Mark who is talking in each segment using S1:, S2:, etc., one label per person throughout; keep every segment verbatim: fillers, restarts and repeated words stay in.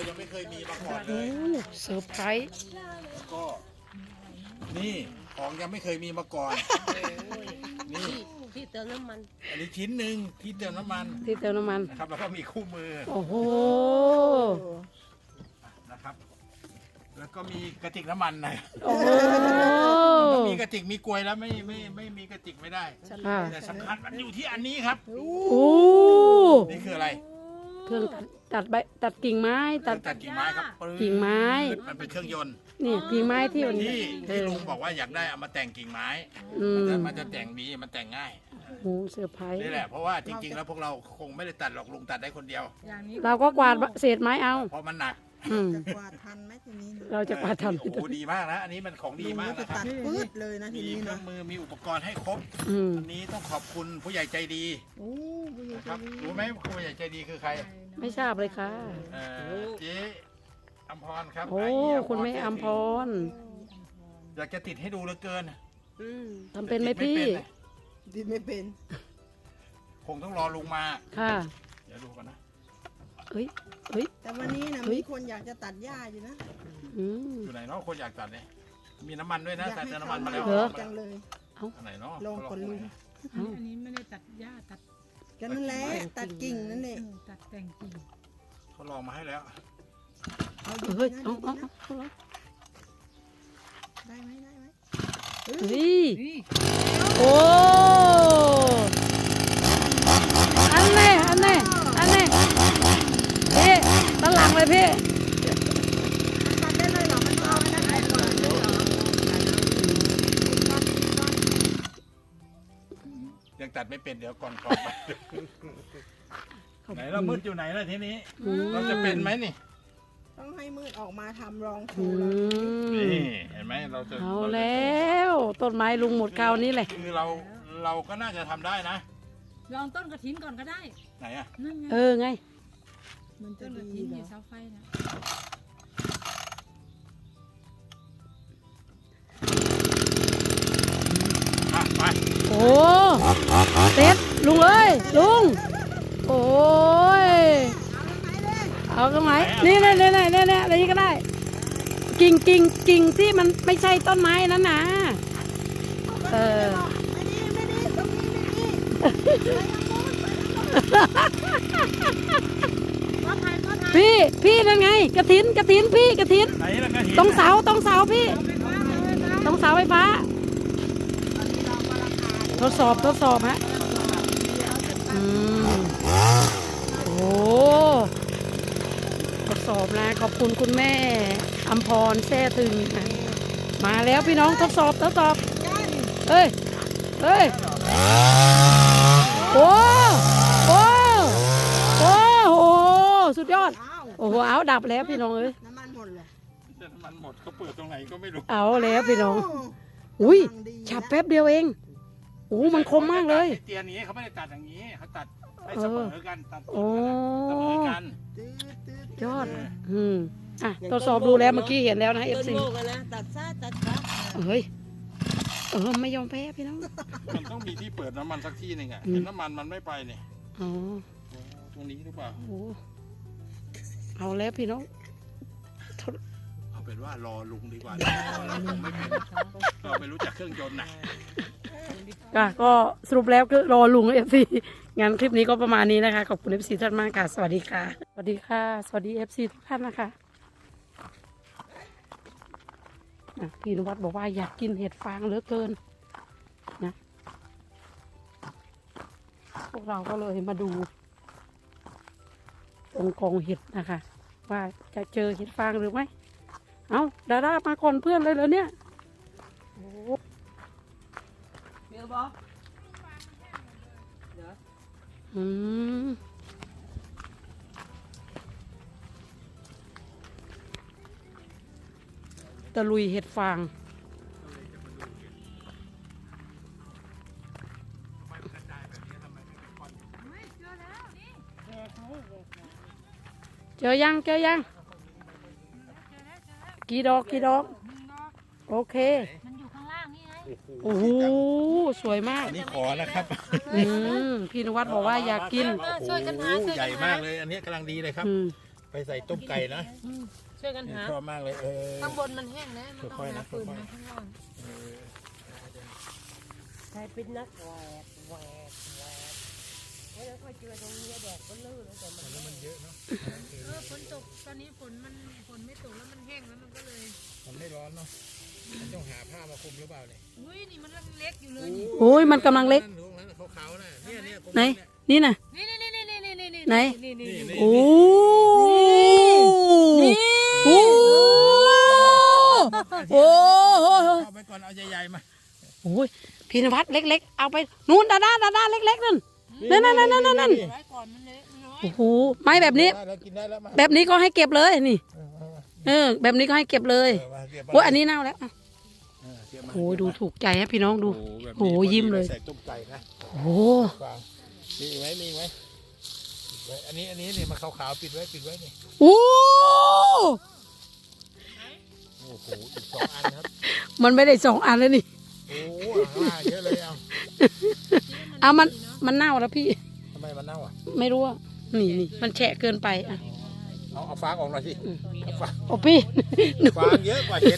S1: ยังไม่เคยมีมาก่อนเล
S2: โอ้
S1: ย
S2: เซอร์ไพรส์
S1: แล้วก็นี่ของยังไม่เคยมีมาก่อน นี่
S3: ที่เติมน้ำมัน
S1: อันนี้ชิ้นหนึ่งที่เติมน้ำมัน
S2: ที่เติมน้ำมัน
S1: นะครับแล้วก็มีคู่มือ
S2: โอ้โห
S1: นะครับ แล้วก็มีกระติกน้ำมันนะ
S2: โอ้โห
S1: ต้องมีกระติกมีกลวยแล้วไม่ไม่ไม่มีกระติกไม่ได้
S2: อ่า
S1: แต่สำคัญมันอยู่ที่อันนี้ครับ
S2: โอ้
S1: นี่คืออะไร
S2: เครื่องตัดตัดใบตัดกิ่งไม้ตัด
S1: ตัดกิ่งไม้ครับ
S2: กิ่งไม้
S1: มันเป็นเครื่องยนต์
S2: นี่กิ่งไม้ที่มัน
S1: ที่
S2: เอ
S1: ที่
S2: อ
S1: ลุงบอกว่าอยากได้เอามาแต่งกิ่งไม้
S2: อื
S1: มัน
S2: ม
S1: จะมันจะแต่งดีมันแต่งง่าย
S2: โอ้โหเซอร์ไพรส์
S1: นี่แหละเพราะว่าจริง ๆ แล้วพวกเราคงไม่ได้ตัดหรอกลุงตัดได้คนเดียว
S3: อย่างนี้
S2: เราก็กวาดเศษไม้เอา
S1: เพราะมันหนัก
S2: อืม
S4: จะกวาดทันไหมทีนี้นะ
S2: เราจะกวาดทัน
S1: โอ้โหดีมากนะอันนี้มันของดี
S4: ลุง
S1: มาก
S4: ก็จะ
S1: นะครับ
S4: ตัดปืดเลยนะที
S1: มี
S4: นี้
S1: เครื่อ
S4: นะ
S1: งมือมีอุปกรณ์ให้ครบ
S2: อืม
S1: อันนี้ต้องขอบคุณผู้ใหญ่ใจดี
S4: โอ้ผู้ใหญ่
S1: นะ
S4: ใจ
S1: ครับ
S4: ดี
S1: รู้ไหมผู้ใหญ่ใจดีคือใคร
S2: ไม่ทราบเลยค่ะ
S1: เอ่อเจ๊อัมพรครับ
S2: โอ้
S1: ไเหี้ย
S2: คุณแม่อัมพร
S1: อยากจะติดให้ดูเหลือเกิน
S3: อืม
S2: ทำเป็นไหม
S1: ติด
S2: พี่
S1: เลย
S4: ดินไม่เป็น
S1: คงต้องรอลุงมา
S2: ค่ะ
S1: เดี๋ยวดูกันนะ
S2: เฮ้ยเฮ้ย
S4: แต่วันนี้นะ
S2: เฮ้ย
S4: มีคนอยากจะตัดหญ้าอยู่นะ
S2: อืม
S1: อยู่ไหนเนาะคนอยากตัดเนี่ยมีน้ำมันด้วยนะ
S4: อยาก
S1: ใส่
S4: ให้
S1: แต่
S4: เขา
S1: น้ำมันมา
S4: มา
S1: แล้ว
S2: เหรอ
S4: จังเลย
S1: อันไหนเนาะ
S4: ลองกดลุง
S2: เอ้า
S5: อันนี้ไม่ได้ตัดหญ้าตัด
S4: กันนั่นแหละตัดกิ่งนั่นเอง
S5: เออตัดแต่งกิ่ง
S1: เขาลองมาให้แล้ว
S4: เอา
S2: เฮ้ย
S4: ดีๆนะ
S2: เอา
S4: ดี
S2: เอา
S4: ๆนะ
S2: เอาเอา
S4: ได้ไหมได้ไหม
S2: เฮ้ย
S5: นี่
S2: โอ้อันนี้อันนี้อันนี้พี่ตนหลังเลยพี่
S4: ตัดได้เลยเหรอมันเอาอันนั้นออกก่อนเลยเหรอ
S1: ยังตัดไม่เป็นเดี๋ยวก่อนก่อนไหนเรามืดอยู่ไหนล่ะทีนี้
S2: อืม
S1: เราจะเป็นไหมนี่
S4: ต้องให้มืดออกมาทำรองโช
S2: อื
S4: ว์เรา
S2: ม
S1: นี่เห็นไหมเราจะ
S2: เอา
S1: รจะ
S2: แล้วต้นไม้ลุงหมดคราวนี้เลย
S1: คือเราเราก็น่าจะทำได้นะ
S5: ลองต้นกระถินก่อนก็ได้
S1: ไหนอะ
S5: นั่นไง
S2: เออไง
S4: มันจะ
S5: ต้นกระ
S4: ดี
S5: ถิน
S4: เหร
S5: อยู่
S4: อ
S5: เสาไฟนะ
S1: อ่ะไป
S2: โอ้เต็ดลุงเอ้ยลุงโอ้ยเอาตรงไหนนี่นี่นี่นี่นี่นี่อะไรนี้ก็ได้ กิ่งกิ่งกิ่งที่มันไม่ใช่ต้นไม้นั้นนะเออ
S4: ไม่ดีไม่ดีตรงนี้ไม่ดี
S2: พี่พี่นั่นไงกระถินกระถินพี่กระถิน
S1: ไหนล่ะกระถิ่น
S2: ตรงเสาตรงเสาพี่ตรงเสาไฟฟ้าทดสอบทดสอบฮะอืมโอ้ทดสอบนะขอบคุณคุณแม่อัมพรแท้ถึงนะมาแล้วพี่น้องทดสอบทดสอบเฮ้ยเฮ้ยโอ้โอ้โอ้โหสุดยอด
S4: อ้าว
S2: โอ้โหเอาดับแล้วพี่น้องเอ้ย
S4: น้ำมันหมดเลย
S1: จะน้ำมันหมดเขาเปิดตรงไหนก็ไม่รู้
S2: เอาแล้วพี่น้องอุ้ยฉับแป๊บเดียวเองโอ้มันคมมากเลย
S1: เตียนนี้เขาไม่ได้ตัดอย่างนี้เขาตัดให้เสมอกันตัด
S2: โอ้
S1: เสมอกัน
S4: ตืดตืด
S2: ยอดอืมอ่ะทดสอบดูแล้วเมื่อกี้เห็นแล้วนะเอฟ
S3: ต้น
S2: ซี
S3: โมกันนะตัดซ้ายตัดขวา
S2: เฮ้ยเออไม่ยอมแพ้พี่น้อง
S1: มันต้องมีที่เปิดน้ำมันสักที่หนึ่งอะ
S2: อืม
S1: เห็นน้ำมันมันไม่ไปเนี่ย
S2: อ๋อ
S1: ตรงนี้หรือเปล่า
S2: โอ้เอาแล้วพี่น้อง
S1: เอาเป็นว่ารอลุงดีกว่าเราคงไม่เป็นเราไม่รู้จักเครื่องยนต์นะ
S2: อ่ะก็สรุปแล้วก็รอลุงเอฟซีงั้นคลิปนี้ก็ประมาณนี้นะคะขอบคุณเอฟซีท่านมากค่ะสวัสดีค่ะสวัสดีค่ะ สวัสดีเอฟซีทุกท่านนะคะอ่ะพี่นวัดบอกว่าอยากกินเห็ดฟางเหลือเกินนะพวกเราก็เลยมาดูตรงกองเห็ดนะคะ ว่าจะเจอเห็ดฟางหรือไม่เอาดาด้ามาก่อนเพื่อนเลยเหรอเนี่ยโอ้
S3: เดี๋ยวบอก
S2: อืมตะลุยเห็ดฟางเจอยังเจอยังกี่ดอกกี่ดอกโอเค
S5: มันอยู่ข้างล่างนี่ไง
S2: โอ้โหสวยมาก
S1: อันนี้ขอนะครับ
S2: อืมพี่นวัดบอกว่าอยากกิน
S1: โอ้โหใหญ่มากเลย อันนี้กำลังดีเลยครับ
S2: อืม
S1: ไปใส่ต้มไก่นะ
S3: ช่วยกันหา
S1: ชอบมากเลยเออ
S3: ข้างบนมันแห้งนะมันต้อง
S1: ค่อยๆ
S3: หา
S1: นะ
S3: ฟืน
S1: ค่อยๆ
S3: มาข้างล่างใครเป็นนักแหวกแหวกแหวกแล้วค่อยเจอตรงนี้แดดก็ลื่นแล้วแต่มัน
S1: แล้วมันเยอะเนาะ
S5: เออฝนตกตอนนี้ฝนมันฝนไม่ตกแล้วมันแห้งแล้วมันก็เลย
S1: มันไม่ร้อนเนาะมันต้องหาผ้ามาคลุมหรือเปล่าเนี่ย
S5: อุ้ยนี่มันเล็กอยู่เลยนี่
S2: โอ้ยมันกำลังเล็ก
S1: ตรงนั้นขาวๆน่ะเนี่ยเนี่ยตรง
S2: ไหน
S1: นี้เนี่ย
S2: นี่น่ะ
S5: นี่นี่นี่นี่นี่นี่
S2: ไหน
S5: นี่นี่
S1: นี่
S5: นี่
S1: นี่
S2: โอ้โอ้โอ้โห
S1: เอาไปก่อนเอาใหญ่ๆมา
S2: โอ้ยพี่นวัดเล็กๆ เอาไปนู่นดาด้าดาด้าเล็กๆนั่น นั่นนั่นนั่นนั่นนั่น
S5: ไว้ก่อนมันเล็กน้อย
S2: โอ้โหไม่แบบนี้
S1: ได้แล้วกินได้แล้วมา
S2: แบบนี้ก็ให้เก็บเลยนี่
S1: เออเอามา
S2: เออ แบบนี้ก็ให้เก็บเลย
S1: เออมาเก็บมา
S2: โอ้ยอันนี้เน่าแล้วอ่ะ
S1: เออเก็บมา
S2: โอ้ยดูถูกใจฮะพี่น้องดู
S1: โอ้แบบ
S2: โอ้
S1: นี้
S2: ยิ้มเลย
S1: ใส่ต้มไก่นะ
S2: โอ้โห
S1: ฟางมีอีกไหมมีอีกไหมปิดไว้อันนี้อันนี้เนี่ยมันขาวๆปิดไว้ปิดไว้นี่
S2: โอ้
S1: โอ้โหอีกสองอันครับ
S2: มันไม่ได้สองอันแล้วนี่
S1: โอ้โหอ่าเยอะเลยเอา
S2: เอามันมันเน่าแล้วพี่
S1: ทำไมมันเน่าอ่ะ
S2: ไม่รู้อ่ะนี่นี่มันแฉะเกินไปอ่ะ
S1: เอาเอาฟางออกหน่อยสิเอาฟาง
S2: โอ้พี่
S1: ฟางเยอะกว่าเห็ด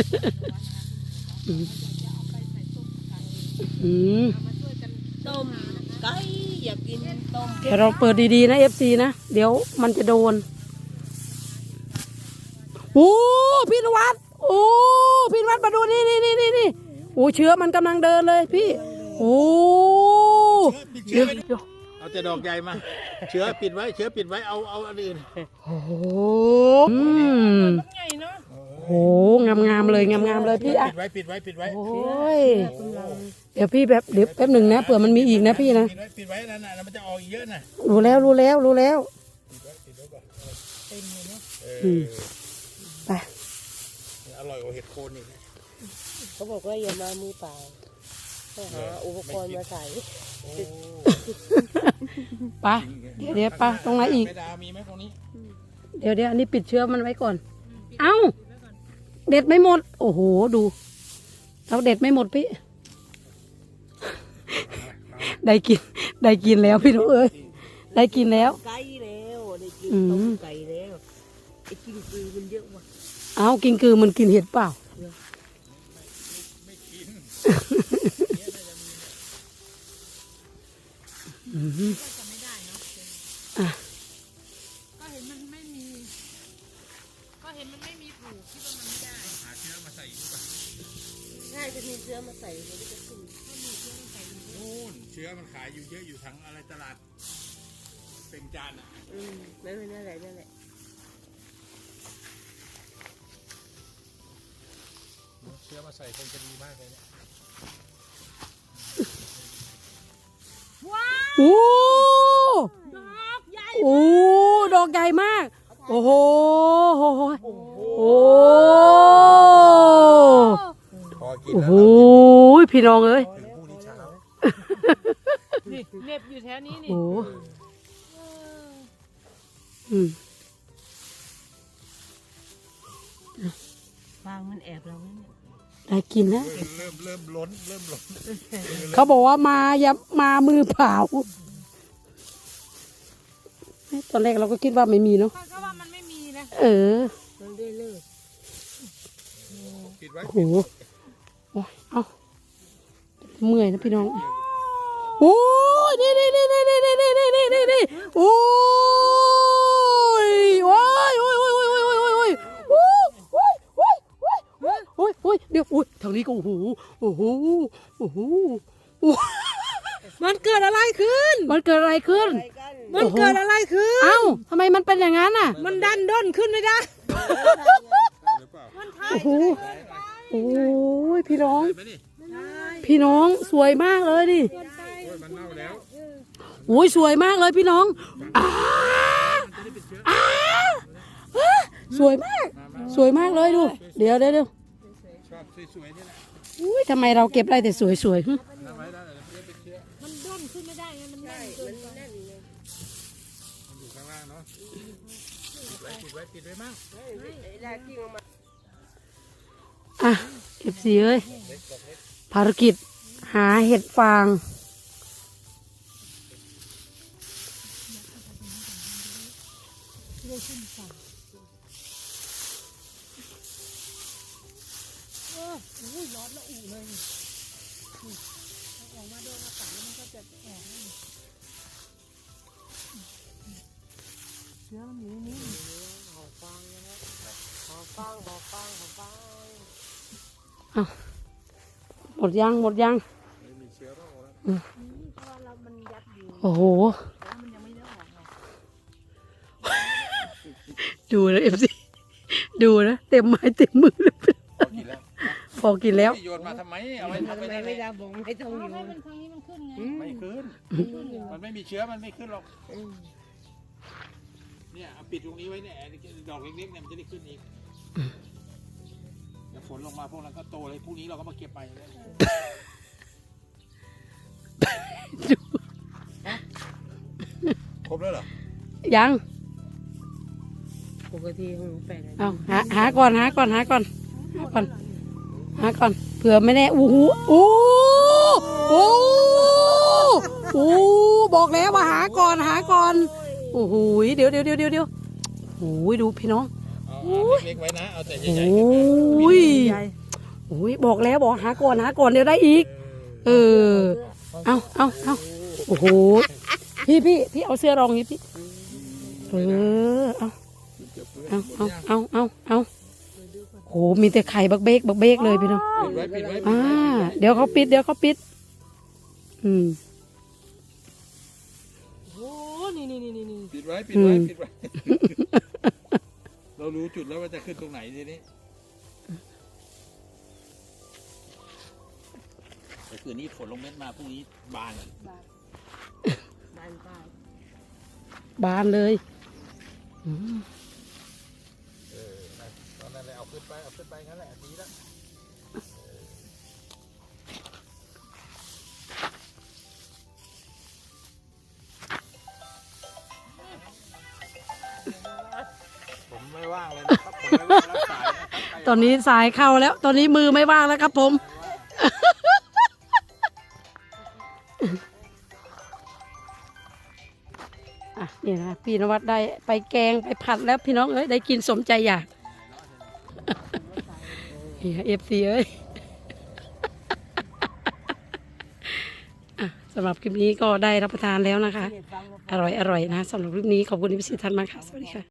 S2: อืม
S3: ต้มไก่อยากกินต้ม
S2: เดี๋ยวเราเปิดดีๆนะเอฟซีนะเดี๋ยวมันจะโดนโอ้พี่นวัดโอ้พี่นวัดมาดูนี่นี่นี่นี่นี่โอ้เชื้อมันกำลังเดินเลยพี่โอ้
S1: ปิด
S2: เดี๋
S1: เชื้
S2: ย
S1: อ
S2: วเดี๋ยว
S1: เอาแต่ดอกใหญ่มา เชื้อปิดไว้เชื้อปิดไว้เอาเอาอันอื่น
S2: โอ้อืม
S5: ใหญ่เนาะ
S2: โอ้งามงามๆเลยงามงามๆเลยพี่อ่ะ
S1: ปิดไว้ปิดไว้ปิดไว้
S2: โอ้ยเดี๋ยวพี่แบบเดี๋ยวแป๊บหนึ่งนะเผื่อมันมีอีกนะพี่นะ
S1: ปิดไว้ปิดไว้นั่นน่ะแล้วมันจะออกอีกเยอะน่ะ
S2: รู้แล้วรู้แล้วรู้แล้ว
S1: ปิดไว้ปิดไว้ก่อนเต็มเลยเนาะเอ
S2: อื
S1: อ
S2: ม ไป
S1: อร่อยกว่าเห็ดโคนอีกนะ
S3: เขาบอกว่าอย่ามามือเปล่าให้หาอุปกรณ์มาใส่
S1: โอ้
S2: ไปเดี๋ยวเดี๋ยวไปตรงไหนอีก
S1: แม่ดามีไหมตรงนี้
S2: เดี๋ยวเดี๋ยวอันนี้ปิดเชื้อมันไว้ก่อน เอ้า เด็ดไม่หมด โอ้โห ดูเราเด็ดไม่หมดพี่ ได้กิน ได้กินแล้วพี่น้องเอ้ย ได้กินแล้ว
S3: ไก่แล้วได้กิน
S2: อืม
S3: ต้มไก่แล้วไอ้กินคือมันเยอะว่ะ
S2: เอ้ากินคือมันกินเห็ดเปล่า
S1: ไม่กิน
S2: อืม
S5: จะไม่ได้เนาะ
S2: อ่ะ
S5: ก็เห็นมันไม่มี ก็เห็นมันไม่มีผูกคิดว่ามันไม่ได้
S1: หาเชื้อมาใส่อีกดีกว่า
S3: ง่ายจะมีเชื้อมาใส่มันก็จะขึ้น
S1: นู่นเชื้อมันขายอยู่เยอะอยู่ทั้งอะไรตลาดเป็นจานอ่ะ
S3: อืมนั่นแหละนั่นแหละนั่นแหละ
S1: เชื้อมาใส่คงจะดีมากเลยเนี่ย
S2: โอ้
S5: ดอกใหญ่
S2: โอ้ ดอกใหญ่มาก โอ้โหโอ้โห
S1: โอ้โห
S2: โอ้
S1: พอกิน
S2: โอ้
S1: แล้ว
S2: โหพี่น้องเอ้ย
S1: ถึงพรุ่งนี้เช้า
S5: นี่เน็บอยู่แถวนี้นี่
S2: โอ้อืม
S3: ฟางมันแอบเราเนี่ย
S2: ได้กินแล้ว
S1: เริ่มเริ่มล้นเริ่มล้น
S2: เขาบอกว่ามาอย่ามามือเปล่าตอนแรกเราก็คิดว่าไม่มีเนาะ
S5: ก็ว่ามันไม่มีนะ
S2: เออ
S3: มันได้เลิก
S1: ปิดไว้
S2: โอ้โหโอ้ยเอาเมื่อยนะพี่น้อง โอ้ยนี่นี่นี่นี่นี่นี่นี่นี่นี่นี่โอ้ยโอ้ยโอ้ยโอ้ยโอ้ยโอ้ยโอ้ยโอ้ยโอ้ยโอ้ยโอ้ยโอ้ยโอ้ยโอ้ยเดี๋ยวโอ้ยทางนี้ก็โอ้โหโอ้โหโอ้โหโอ้ย
S5: มันเกิดอะไรขึ้น
S2: มันเกิดอะไรขึ้น
S3: ไปกัน
S5: มันเกิดอะไรขึ้น
S2: เอ้าทำไมมันเป็นอย่างนั้นน่ะ
S5: มันดันด้นขึ้นไม่ได้
S1: หรือเปล่า
S5: มันทาย
S2: โอ้โหโอ้ยพี่น้อง
S1: ไหมนี่
S2: พี่น้องสวยมากเลยดิ
S1: โอ้ยมันเน่าแล้ว
S2: โอ้ยสวยมากเลยพี่น้องอ้าอ้าสวยมาก สวยมากเลยดู เดี๋ยวเดี๋ยวเดี๋ยว
S1: ชอบสวยๆนี่แหละ
S2: อุ้ยทำไมเราเก็บได้แต่สวยๆหึ
S1: ทำไว้ได้เลยเพื่อเป็นเชื้อ
S5: มันด้นขึ้นไม่ได้ไงมันแน่นเกินไป
S3: แน่นเลย
S1: มันอยู่ข้างล่างเนาะปิดไว้ปิดไว้ปิดไว้มั่ง
S3: ไอ้แรกที่มันมา
S2: อ่ะเก็บสีเอ้ยภารกิจหาเห็ดฟาง
S3: อุ้ยร้อนละอุ่เลยนี่ออกมาโดนอากาศแล้วมันก็จะออกนี่เชื้อมันอยู่นี่หอฟางนะหอฟางหอฟางหอฟาง
S2: หมดยังหมดยัง
S1: ไม่มีเชื้อโรคแล้ว
S3: นี่เพราะว่าเรามันยัดอยู่
S2: โอ้โห
S3: แล้วมันยังไม่ได้ออกไง
S2: ดูนะเอฟซีดูนะเต็มไม้เต็มมือเลย
S1: พอกินแล้ว
S2: พอกินแล้ว
S1: โยนมาทำไมเอาไว้
S3: ทำ
S1: ทำ
S3: ไม
S1: ไม
S3: ไม่ได้บอกไม่ต้องอยู่
S5: ให้มันทางนี้มันขึ้นไง
S1: ไม่ขึ้น มันไม่มีเชื้อมันไม่ขึ้นหรอก เนี่ยเอาปิดตรงนี้ไว้เนี่ยดอกเล็กๆเนี่ยมันจะได้ขึ้นอีกเดี๋ยวฝนลงมาพวกนั้นก็โตเลยพรุ่งนี้เราก็มาเก็บไปเลยครบแล้วเหรอ
S2: ยัง
S3: ปกติของแปด
S2: เอาหาหาก่อนหาก่อนหาก่อนหาก่อนหาก่อนเผื่อไม่แน่โอ้โหโอ้โหโอ้บอกแล้วว่าหาก่อนหาก่อนโอ้โหเดี๋ยวเดี๋ยวเดี๋ยวเดี๋ยวเดี๋ยวโอ้ยดูพี่น้อง
S1: เอาเอาเล็กๆไว้นะเอาแต่ให
S2: โอ้
S1: ญ่ๆขึ้นมา
S2: ยโอ้ยบอกแล้วบอกหาก่อนหาก่อนเดี๋ยวได้อีก เออเอาเอาเอาโอ้โหพี่พี่พี่เอาเสื้อรองนี้พี่เออเอาเอาเอาเอาเอาเอาโหมีแต่ไข่บักเบกบักเบกเลยพี่น้อง
S1: ปิดไว้ปิดไว้
S2: อ่าเดี๋ยวเขาปิดเดี๋ยวเขาปิด อืม
S3: โอ้นี่นี่นี่นี่
S1: ปิดไว้ปิดไว้
S2: อืม
S1: ปิดไว้ เรารู้จุดแล้วว่าจะขึ้นตรงไหนทีนี้แต่คืนนี้ฝนลงเม็ดมาพรุ่งนี้บาน
S3: บานป้าย
S2: บานเลยอืม
S1: เออนะตอนนั้นเลยเอาขึ้นไปเอาขึ้นไปงั้นแหละดีแล้วผมไม่ว่างเลยนะครับผมไม่ว่างรับสายนะครับ
S2: ตอนนี้สายเข้าแล้ว ตอนนี้มือไม่ว่างแล้วครับผม อ่ะนี่นะพี่นวัดได้ไปแกงไปผัดแล้วพี่น้องเอ้ยได้กินสมใจอยาก เอฟซีเอ้ย อ่ะสำหรับคลิปนี้ก็ได้รับประทานแล้วนะคะ
S3: เด็ดฟัง
S2: อร่อยอร่อยนะสำหรับคลิปนี้ขอบคุณที่พิสิทธิ์ท่านมากค่ะ สวัสดีค่ะ